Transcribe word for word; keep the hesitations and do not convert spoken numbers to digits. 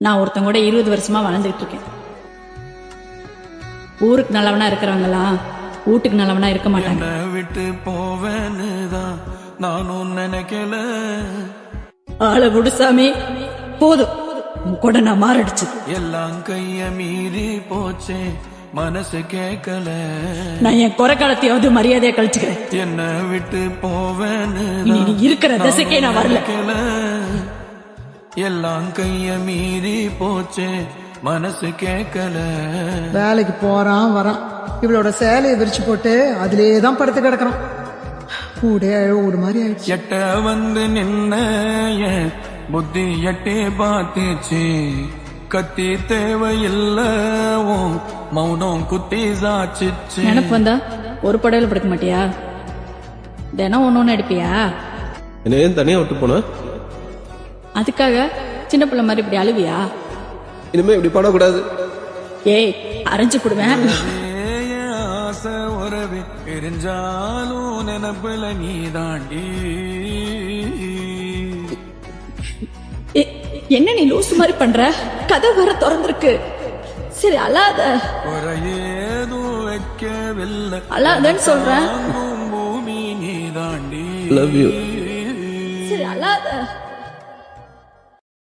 நான் ஒருத்தங்க கூட இருபது வருஷமா வாழ்ந்துட்டு இருக்கேன். ஊருக்கு நல்லவனா இருக்கிறவங்களாம் வீட்டுக்கு நல்லவனா இருக்க மாட்டாங்க. விட்டு போவேன்னுதான் நானும் நினைக்கல. ஆளை விடுசாமி, போதும் உன் கூட நான் மாரடிச்சு. எல்லாம் கைய மீறி போச்சே, மனசு கேட்கல. நான் என் குறை காலத்தையாவது மரியாதையா கழிச்சுக்கிறேன். என்ன விட்டு போவேன்னு இனி நீ இருக்கிற திசைக்கே நான் வரல. எல்லாம் கைய மீறி போச்சே, மனசு கேட்கல. வேலைக்கு போறான் வரான், இவளோட சேலையை விரிச்சு போட்டு அதுலேதான் படுத்து கிடக்குறான். ஊடே ஊடு மாதிரி ஆயிடுச்சு. எட்ட வந்து நின்ன என் புத்தி எட்டே பார்த்துச்சு. கத்தி தேவையில்ல, மௌனம் குத்தி சாச்சிச்சு. நினப்பு வந்தா ஒரு படையில படுக்க மாட்டியா? தினம் ஒன்னு ஒன்னு எடுப்பியா? என்ன ஏன் தனியா விட்டு போன? அதுக்காக சின்ன பிள்ளை மாதிரி இப்படி அழுவியா? இனிமே இப்படி பண்ணக்கூடாது. ஏய், அரைஞ்சு போடுவேன். ஆசை உறவு எரிஞ்சாலும் நினப்புல நீ தாண்டி. என்ன நீ லூசு மாதிரி பண்ற? கதை வர திறந்திருக்கு. சரி அழாத. குறையேதும் வைக்கவில்லை, அழாதன்னு சொல்றேன். பூமி நீ தாண்டி. Love you.